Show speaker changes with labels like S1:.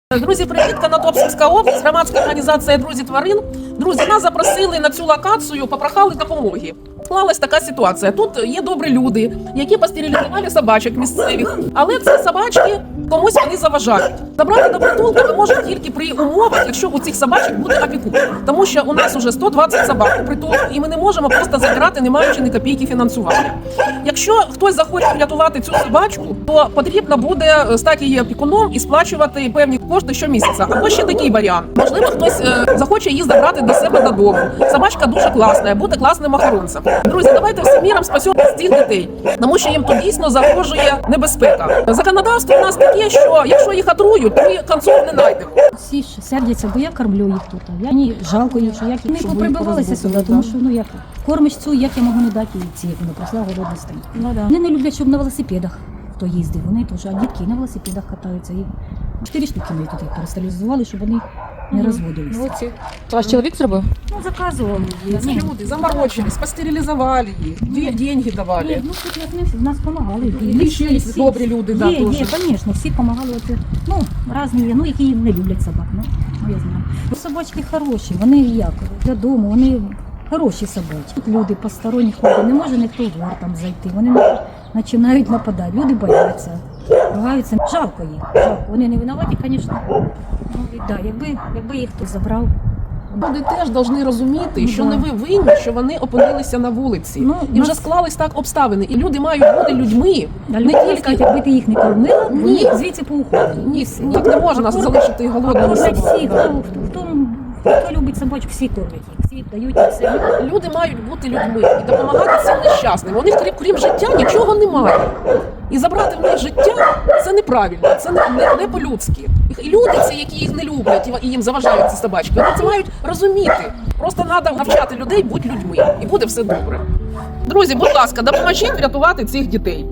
S1: Друзі, привіт! Конотопська область, громадська організація «Друзі тварин». Друзі, нас запросили на цю локацію, попрохали допомоги. Склалась така ситуація. Тут є добрі люди, які постерилізували собачок місцевих, але ці собачки комусь вони заважають. Забрати до притулку ми можемо тільки при умовах, якщо у цих собачок буде опікун. Тому що у нас уже 120 собак у притулку, і ми не можемо просто забирати, не маючи ні копійки фінансування. Якщо хтось захоче врятувати цю собачку, то потрібно буде стати її опікуном і сплачувати певні кошти щомісяця. Або ще такий варіант. Можливо, хтось захоче її забрати до себе додому. Собачка дуже класна, буде класним охоронцем. Друзі, давайте всім міром спасемо цих дітей, тому що їм тут дійсно загрожує небезпека. Законодавство у нас таке, що якщо їх отрують, то ми концов не знайдемо.
S2: Всі ж сердяться, бо я кормлю їх тут. Мені жалко їх, що як вони поприбивалися сюди, тому що як кормиш цю, як я можу не дати їй ці, як вона прийшла голодна стоїть. Вони не люблять, щоб на велосипедах хто їздив, вони теж, а дітки на велосипедах катаються. І 4 штуки ми тут їх перестерилізували, щоб вони не розводилися.
S3: Ваш чоловік зробив?
S2: Ну, заказували.
S1: Люди заморочились, постерилізували їх, деньги давали.
S2: Ну, тут як нас допомагали.
S1: І ще є добрі люди, да,
S2: Є,
S1: теж.
S2: звісно, всі допомагали. Ну, різні є, ну, які не люблять собак, ну, я знаю. Собачки хороші, вони як, додому, вони хороші собачки. Тут люди, посторонніх людей, не може ніхто в двор там зайти, вони починають нападати, люди бояться, ругаються. Жалко їх, жалко. Вони не винуваті, звісно. Ну, да, якби їх хтось забрав.
S1: Люди теж повинні розуміти, що не ви винні, що вони опинилися на вулиці. І вже склались так обставини. І люди мають бути людьми.
S2: Не тільки, якби ти їх не кормила, вони звідси поуходили.
S1: Ні, так не можна залишити голодними собаками.
S2: Хто любить собачок, всі кормлять їх, всі дають їм все.
S1: Люди мають бути людьми і допомагати цим нещасним. У них, крім життя, нічого немає. І забрати в них життя – це неправильно, це не по-людськи. І люди ці, які їх не люблять і їм заважають ці собачки, вони це мають розуміти. Просто треба навчати людей бути людьми, і буде все добре. Друзі, будь ласка, допоможіть врятувати цих дітей.